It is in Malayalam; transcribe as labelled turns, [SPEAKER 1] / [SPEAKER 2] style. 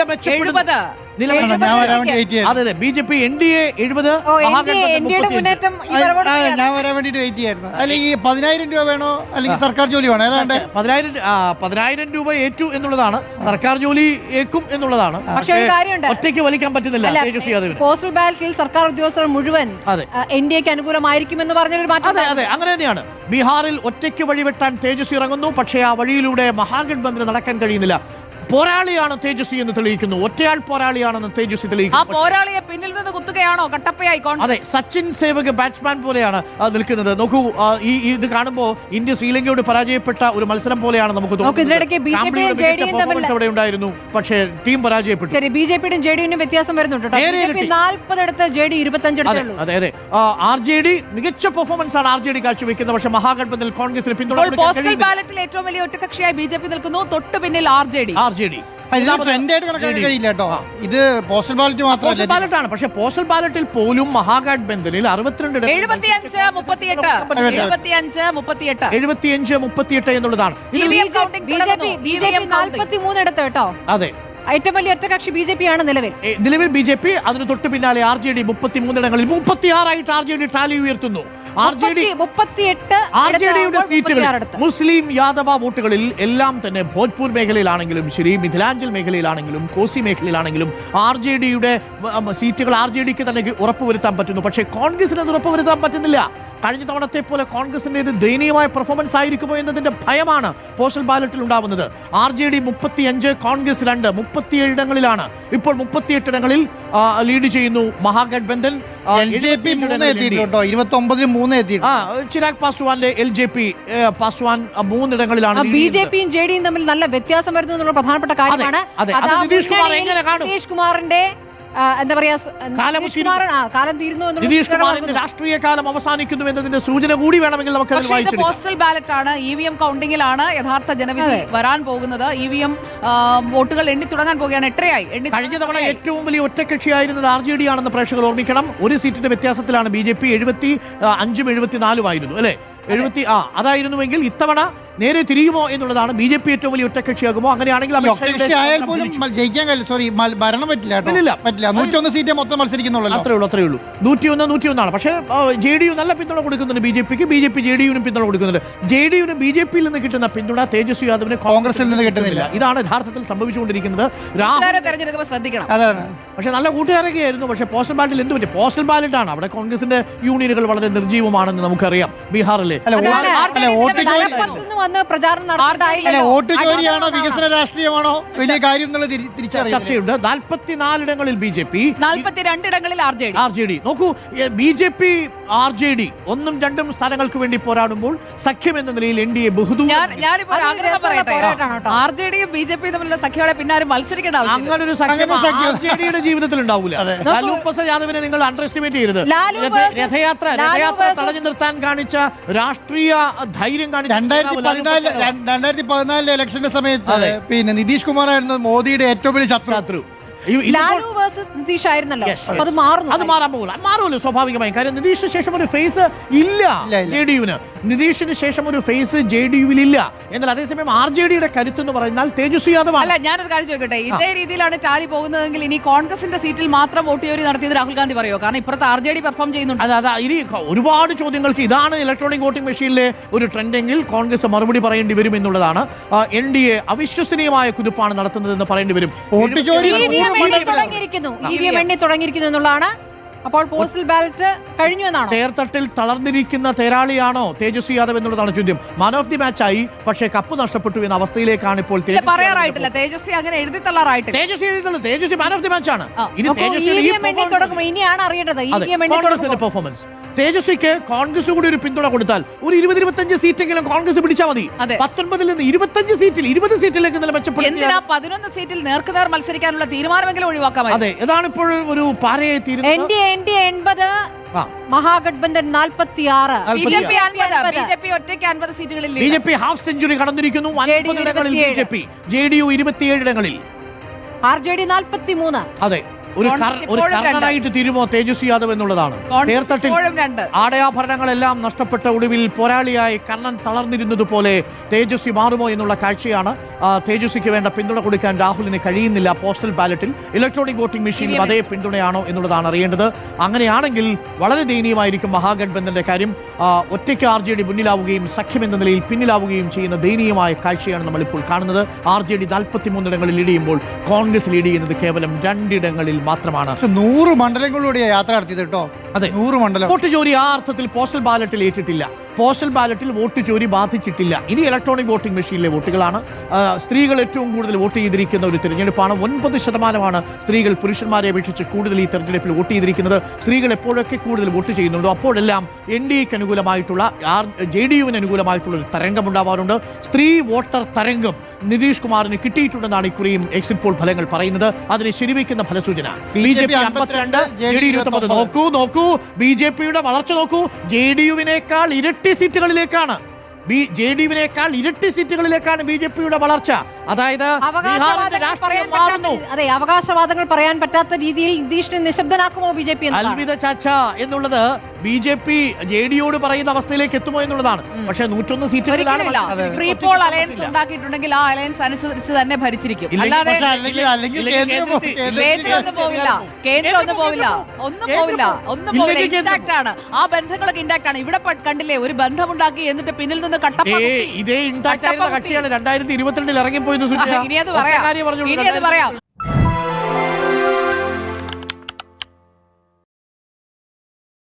[SPEAKER 1] മെച്ചപ്പെടുന്നത്.
[SPEAKER 2] അതെ അതെ, BJP NDA 70,
[SPEAKER 3] ഞാൻ വരാൻ വേണ്ടിട്ട് വെയിറ്റ് ചെയ്യായിരുന്നു. അല്ലെങ്കിൽ 10,000 രൂപ വേണോ അല്ലെങ്കിൽ സർക്കാർ ജോലി വേണോ? ഏതാണ്ട്
[SPEAKER 2] 10,000 രൂപ ഏറ്റു എന്നുള്ളതാണ്, സർക്കാർ ജോലി ഏക്കും എന്നുള്ളതാണ്.
[SPEAKER 1] പക്ഷേ ഒരു കാര്യമുണ്ട്,
[SPEAKER 2] ഒറ്റയ്ക്ക് വലിക്കാൻ പറ്റുന്നില്ല തേജസ്വി യാദവിന്.
[SPEAKER 1] പോസ്റ്റൽ ബാലറ്റിൽ സർക്കാർ ഉദ്യോഗസ്ഥർ മുഴുവൻ NDAക്ക് അനുകൂലമായിരിക്കുമെന്ന് പറഞ്ഞൊരു മാറ്റം.
[SPEAKER 2] അതെ അതെ, അങ്ങനെ തന്നെയാണ്. ബീഹാറിൽ ഒറ്റയ്ക്ക് വഴിവെട്ടാൻ തേജസ്വി ഇറങ്ങുന്നു. പക്ഷേ ആ വഴിയിലൂടെ മഹാഗഠബന്ധന് നടക്കാൻ കഴിയുന്നില്ല. പോരാളിയാണ് തേജസ്വി എന്ന് തെളിയിക്കുന്നു. ഒറ്റയാൾ പോരാളിയാണെന്ന് തേജസ്വി തെളിയിക്കുന്നു.
[SPEAKER 1] ആ പോരാളിയെ പിന്നിൽ നിന്ന് കുത്തുകയാണോ കട്ടപ്പയായി?
[SPEAKER 2] അതെ, സച്ചിൻ സേവക് ബാറ്റ്സ്മാൻ പോലെയാണ് നിൽക്കുന്നത്. നോക്കൂ, ഇത് കാണുമ്പോൾ ഇന്ത്യ ശ്രീലങ്കയോട് പരാജയപ്പെട്ട ഒരു മത്സരം പോലെയാണ് നമുക്ക് തോന്നുന്നത്. അവിടെ ഉണ്ടായിരുന്നു, പക്ഷേ ടീം പരാജയപ്പെട്ടു.
[SPEAKER 1] BJPയുടെയും JDUവിനും വ്യത്യാസം വരുന്നുണ്ട്. 40 എടുത്ത് JD 25.
[SPEAKER 2] അതെ അതെ, RJD മികച്ച പെർഫോമൻസ് ആണ് RJD കാഴ്ചവെക്കുന്നത്. പക്ഷേ മഹാഗഠബന്ധനിൽ കോൺഗ്രസിന് പിന്തുണ.
[SPEAKER 1] പോസ്റ്റൽ ബാലറ്റിൽ ഏറ്റവും വലിയ ഒറ്റകക്ഷിയായി BJP നിൽക്കുന്നു. തൊട്ടു പിന്നിൽ RJD.
[SPEAKER 3] കഴിയില്ല കേട്ടോ. ഇത് പോസ്റ്റൽ ബാലറ്റ്
[SPEAKER 2] മാത്രമല്ല, ബാലറ്റാണ്. പക്ഷേ പോസ്റ്റൽ ബാലറ്റിൽ പോലും മഹാഗഠബന്ധനിൽ 62 75-38 എന്നുള്ളതാണ്.
[SPEAKER 1] BJP 43 എടുത്ത് കേട്ടോ.
[SPEAKER 2] അതെ,
[SPEAKER 1] ഏറ്റവും വലിയ ഒറ്റകക്ഷി BJP ആണ് നിലവിൽ
[SPEAKER 2] BJP. അതിന് തൊട്ട് പിന്നാലെ RJD 33 ഇടങ്ങളിൽ 36 ആയിട്ട് RJD ടാലി ഉയർത്തുന്നു. RJDയുടെ സീറ്റുകളിൽ മുസ്ലിം യാദവ വോട്ടുകളിൽ എല്ലാം തന്നെ ഭോജ്പൂർ മേഖലയിലാണെങ്കിലും ശരി, മിഥിലാഞ്ചൽ മേഖലയിലാണെങ്കിലും കോസി മേഖലയിലാണെങ്കിലും RJDയുടെ സീറ്റുകൾ RJDക്ക് തന്നെ ഉറപ്പുവരുത്താൻ പറ്റുന്നു. പക്ഷേ കോൺഗ്രസിന് അത് ഉറപ്പുവരുത്താൻ പറ്റുന്നില്ല. കഴിഞ്ഞ തവണത്തെ പോലെ കോൺഗ്രസിന്റെ ദയനീയമായ പെർഫോമൻസ് ആയിരിക്കുമോ എന്നതിന്റെ ഭയമാണ് പോസ്റ്റൽ ബാലറ്റിൽ ഉണ്ടാവുന്നത്. RJD 35, കോൺഗ്രസ് 2, 37 ഇടങ്ങളിലാണ്. ഇപ്പോൾ 38 ഇടങ്ങളിൽ ലീഡ് ചെയ്യുന്നു മഹാഗഠബന്ധൻ. ചിരാഗ് പാസ്വാന്റെ LJP പാസ്വാൻ 3 ഇടങ്ങളിലാണ്.
[SPEAKER 1] BJPയും JDയും തമ്മിൽ നല്ല വ്യത്യാസം വരുന്നു എന്നുള്ള പ്രധാനപ്പെട്ട കാര്യമാണ്. നിതീഷ് കുമാറിന്റെ എന്താ പറയാ, കാലം തീരുന്നു,
[SPEAKER 2] നിതീഷ് കുമാറിന്റെ രാഷ്ട്രീയ കാലം അവസാനിക്കുന്നു എന്നതിന്റെ സൂചന കൂടി വേണമെങ്കിൽ നമുക്ക്
[SPEAKER 1] പോസ്റ്റൽ ബാലറ്റ് ആണ്. EVM കൗണ്ടിങ്ങിലാണ് യഥാർത്ഥ ജനവിധി വരാൻ പോകുന്നത്. EVM വോട്ടുകൾ എണ്ണി തുടങ്ങാൻ പോവുകയാണ്. എത്രയായി?
[SPEAKER 2] കഴിഞ്ഞ തവണ ഏറ്റവും വലിയ ഒറ്റക്കക്ഷിയായിരുന്നത് RJD ആണെന്ന് പ്രേക്ഷകർ ഓർമ്മിക്കണം. ഒരു സീറ്റിന്റെ വ്യത്യാസത്തിലാണ് BJP 75-74 ആയിരുന്നു അല്ലെ? 70 അതായിരുന്നുവെങ്കിൽ ഇത്തവണ നേരെ തിരിയുമോ എന്നുള്ളതാണ്. BJP ഏറ്റവും വലിയ ഒറ്റക്കക്ഷിയാകുമോ? അങ്ങനെയാണെങ്കിൽ
[SPEAKER 3] ജയിക്കാൻ ഭരണം പറ്റില്ല. 101 സീറ്റേ മൊത്തം മത്സരിക്കുന്നുള്ളൂ.
[SPEAKER 2] അത്രേ ഉള്ളൂ. 101 പക്ഷേ JDU നല്ല പിന്തുണ കൊടുക്കുന്നുണ്ട് BJPക്ക്. BJP JDUവിനും പിന്തുണ കൊടുക്കുന്നുണ്ട്. JDUവിന് BJPയിൽ നിന്ന് കിട്ടുന്ന പിന്തുണ തേജസ്വി യാദവിന് കോൺഗ്രസിൽ നിന്ന് കിട്ടുന്നില്ല. ഇതാണ് യഥാർത്ഥത്തിൽ സംഭവിച്ചുകൊണ്ടിരിക്കുന്നത്.
[SPEAKER 1] ശ്രദ്ധിക്കണം.
[SPEAKER 2] പക്ഷെ നല്ല കൂട്ടുകാരൊക്കെ ആയിരുന്നു. പക്ഷേ പോസ്റ്റൽ ബാലറ്റിൽ എന്ത് പറ്റി? പോസ്റ്റൽ ബാലറ്റ് ആണ്. അവിടെ കോൺഗ്രസിന്റെ യൂണിയനുകൾ വളരെ നിർജ്ജീവമാണെന്ന് നമുക്കറിയാം. ബീഹാറിലെ
[SPEAKER 3] വോട്ട് ചോരിയാണോ വികസന രാഷ്ട്രീയമാണോ വലിയ കാര്യം എന്നുള്ള
[SPEAKER 2] ചർച്ചയുണ്ട്. 44 ഇടങ്ങളിൽ BJP,
[SPEAKER 1] 42 ഇടങ്ങളിൽ
[SPEAKER 2] RJD. നോക്കൂ, BJP RJD 1ഉം 2ഉം സ്ഥാനങ്ങൾക്ക് വേണ്ടി പോരാടുമ്പോൾ സഖ്യം എന്ന നിലയിൽ NDA ബഹുദൂരം.
[SPEAKER 1] RJDയും BJPയും തമ്മിലുള്ള സഖ്യങ്ങളെ പിന്നാരും മത്സരിക്കേണ്ട
[SPEAKER 2] അങ്ങനൊരു സഖ്യം RJDയുടെ ജീവിതത്തിൽ ഉണ്ടാവില്ല. ലാലു പ്രസാദ് യാദവിനെ നിങ്ങൾ അണ്ടർ എസ്റ്റിമേറ്റ് ചെയ്യരുത്. രഥയാത്ര തടഞ്ഞു നിർത്താൻ കാണിച്ച രാഷ്ട്രീയ ധൈര്യം കാണിച്ച
[SPEAKER 3] 2014 ഇലക്ഷന്റെ സമയത്ത് പിന്നെ നിതീഷ് കുമാർ ആയിരുന്നു മോദിയുടെ ഏറ്റവും വലിയ ശത്രു.
[SPEAKER 1] ലാലു വേഴ്സസ് നിതീഷ് ആയിരുന്നല്ലോ. അത്
[SPEAKER 2] മാറുമല്ലോ സ്വാഭാവികമായും. കാര്യം നിതീഷിന് ശേഷം ഒരു ഫേസ് ഇല്ല JDUവിന്. നിതീഷിന് ശേഷം ഒരു ഫേസ് JDUവിൽ ഇല്ല. എന്നാൽ അതേസമയം RJDയുടെ കരുത്ത് എന്ന് പറഞ്ഞാൽ തേജസ്വി യാദവ്.
[SPEAKER 1] അല്ല, ഞാനൊരു കാര്യം ചോദിക്കട്ടെ, ഇതേ രീതിയിലാണ് ടാലി പോകുന്നതെങ്കിൽ ഇനി കോൺഗ്രസിന്റെ സീറ്റിൽ മാത്രം വോട്ട് ചോരി നടത്തിയത് രാഹുൽ ഗാന്ധി പറയോ? കാരണം ഇപ്പുറത്ത് RJD പെർഫോം ചെയ്യുന്നുണ്ട്.
[SPEAKER 2] ഇനി ഒരുപാട് ചോദ്യങ്ങൾക്ക് ഇതാണ് ഇലക്ട്രോണിക് വോട്ടിംഗ് മെഷീനിലെ ഒരു ട്രെൻഡെങ്കിൽ കോൺഗ്രസ് മറുപടി പറയേണ്ടി വരും എന്നുള്ളതാണ്. NDA അവിശ്വസനീയമായ കുതിപ്പാണ് നടത്തുന്നതെന്ന് പറയേണ്ടി വരും.
[SPEAKER 3] വോട്ട് ചോരി
[SPEAKER 1] EVM എണ്ണി തുടങ്ങിയിരിക്കുന്നു എന്നുള്ളതാണ്. അപ്പോൾ പോസ്റ്റൽ ബാലറ്റ് കഴിഞ്ഞു എന്നാണ്.
[SPEAKER 2] തേർത്തട്ടിൽ തളർന്നിരിക്കുന്ന തേരാളിയാണോ തേജസ്വി യാദവ് എന്നുള്ളതാണ് ചോദ്യം. മാൻ ഓഫ് ദി മാച്ച് ആയി, പക്ഷേ കപ്പ് നഷ്ടപ്പെട്ടു എന്ന അവസ്ഥയിലാണ് ഇപ്പോൾ.
[SPEAKER 1] പറയാറായിട്ടില്ല, തേജസ്വി അങ്ങനെ എഴുതി തള്ളാറായിട്ടില്ല.
[SPEAKER 2] Tejashwi man of the match ആണ്.
[SPEAKER 1] ഇനിയാണ് അറിയേണ്ടത്
[SPEAKER 2] പെർഫോമൻസ്. തേജസ്വിക്ക് കോൺഗ്രസ് കൂടി ഒരു പിന്തുണ കൊടുത്താൽ ഒരു 20-25 സീറ്റെങ്കിലും കോൺഗ്രസ് പിടിച്ചാൽ മതി. 19 നിന്ന് 25 സീറ്റിൽ 20 സീറ്റിലേക്ക് മെച്ചപ്പെടും.
[SPEAKER 1] 11 സീറ്റിൽ നേർക്കുനേർ മത്സരിക്കാനുള്ള തീരുമാനമെങ്കിലും ഒഴിവാക്കാം.
[SPEAKER 2] അതെ, ഇതാണ് ഇപ്പോൾ ഒരു പാരയായി തീരുന്നത്.
[SPEAKER 1] NDA 80, മഹാഗഠബന്ധൻ 46, BJP ഒറ്റയ്ക്ക് 50 സീറ്റുകളിൽ.
[SPEAKER 2] BJP half century കടന്നിരിക്കുന്നു. 50 ഇടങ്ങളിൽ BJP, JDU 27 ഇടങ്ങളിൽ,
[SPEAKER 1] RJD 43.
[SPEAKER 2] അതെ, ഒരു കർണനായിട്ട് തീരുമോ തേജസ്വി യാദവ് എന്നുള്ളതാണ്. തേർത്തട്ടിൽ ആടയാഭരണങ്ങളെല്ലാം നഷ്ടപ്പെട്ട ഒടുവിൽ പോരാളിയായി കർണൻ തളർന്നിരുന്നതുപോലെ തേജസ്വി മാറുമോ എന്നുള്ള കാഴ്ചയാണ്. തേജസ്വിക്ക് വേണ്ട പിന്തുണ കൊടുക്കാൻ രാഹുലിന് കഴിയുന്നില്ല. പോസ്റ്റൽ ബാലറ്റിൽ ഇലക്ട്രോണിക് വോട്ടിംഗ് മെഷീനിൽ അതേ പിന്തുണയാണോ എന്നുള്ളതാണ് അറിയേണ്ടത്. അങ്ങനെയാണെങ്കിൽ വളരെ ദയനീയമായിരിക്കും മഹാഗഠബന്ധന്റെ കാര്യം. ഒറ്റയ്ക്ക് RJD മുന്നിലാവുകയും സഖ്യം എന്ന നിലയിൽ പിന്നിലാവുകയും ചെയ്യുന്ന ദയനീയമായ കാഴ്ചയാണ് നമ്മളിപ്പോൾ കാണുന്നത്. RJD 43 ഇടങ്ങളിൽ ലീഡ് ചെയ്യുമ്പോൾ കോൺഗ്രസ് ലീഡ് ചെയ്യുന്നത് കേവലം 2 ഇടങ്ങളിൽ മാത്രമാണ്.
[SPEAKER 3] 100 മണ്ഡലങ്ങളിലൂടെയാണ് യാത്ര നടത്തിയത് കേട്ടോ.
[SPEAKER 2] അതെ,
[SPEAKER 3] 100 മണ്ഡലം.
[SPEAKER 2] വോട്ട് ചോരി ആ അർത്ഥത്തിൽ പോസ്റ്റൽ ബാലറ്റിൽ ഏറ്റിട്ടില്ല. പോസ്റ്റൽ ബാലറ്റിൽ വോട്ട് ചോരി ബാധിച്ചിട്ടില്ല. ഇനി ഇലക്ട്രോണിക് വോട്ടിംഗ് മെഷീനിലെ വോട്ടുകളാണ്. സ്ത്രീകൾ ഏറ്റവും കൂടുതൽ വോട്ട് ചെയ്തിരിക്കുന്ന ഒരു തിരഞ്ഞെടുപ്പാണ്. 9% സ്ത്രീകൾ പുരുഷന്മാരെ അപേക്ഷിച്ച് കൂടുതൽ ഈ തെരഞ്ഞെടുപ്പിൽ വോട്ട് ചെയ്തിരിക്കുന്നത്. സ്ത്രീകൾ എപ്പോഴൊക്കെ കൂടുതൽ വോട്ട് ചെയ്യുന്നുണ്ടോ അപ്പോഴെല്ലാം NDAക്ക് അനുകൂലമായിട്ടുള്ള JDUവിന് അനുകൂലമായിട്ടുള്ള ഒരു തരംഗം ഉണ്ടാവാറുണ്ട്. സ്ത്രീ വോട്ടർ തരംഗം നിതീഷ് കുമാറിന് കിട്ടിയിട്ടുണ്ടെന്നാണ് ഇക്കുറിയും എക്സിറ്റ് പോൾ ഫലങ്ങൾ പറയുന്നത്. അതിനെ ശരിവയ്ക്കുന്ന ഫലസൂചന. BJP 52, JD 29. നോക്കൂ BJPയുടെ വളർച്ച നോക്കൂ. JDUവിനേക്കാൾ ഇരട്ടി സീറ്റുകളിലേക്കാണ് BJPയുടെ വളർച്ച. അതായത്
[SPEAKER 1] അവകാശവാദങ്ങൾ പറയാൻ പറ്റാത്ത രീതിയിൽ നിതീഷിനെ നിശബ്ദനാക്കുമോ BJP?
[SPEAKER 2] അൽവിദ ചാച്ച എന്നുള്ളത് BJP JDയോട് പറയുന്ന അവസ്ഥയിലേക്ക് എത്തുമോ എന്നുള്ളതാണ്. പക്ഷേ 101 സീറ്റുകളിലാണ്
[SPEAKER 4] അലയൻസ് ഉണ്ടാക്കിയിട്ടുണ്ടെങ്കിൽ ആ അലയൻസ് അനുസരിച്ച് തന്നെ ഭരിച്ചിരിക്കും. അല്ലാതെ ഒന്നും പോവില്ല. ഇൻടാക്ട് ആണ്. ആ ബന്ധങ്ങളൊക്കെ ഇൻടാക്ട് ആണ്. ഇവിടെ കണ്ടില്ലേ, ഒരു ബന്ധമുണ്ടാക്കി എന്നിട്ട് പിന്നിൽ നിന്ന്
[SPEAKER 2] ഇതേ ഇൻടാക്ട് ആയിരുന്ന കക്ഷിയാണ് 2022 ഇറങ്ങിപ്പോയി.
[SPEAKER 4] ഇനി അത് പറയാം.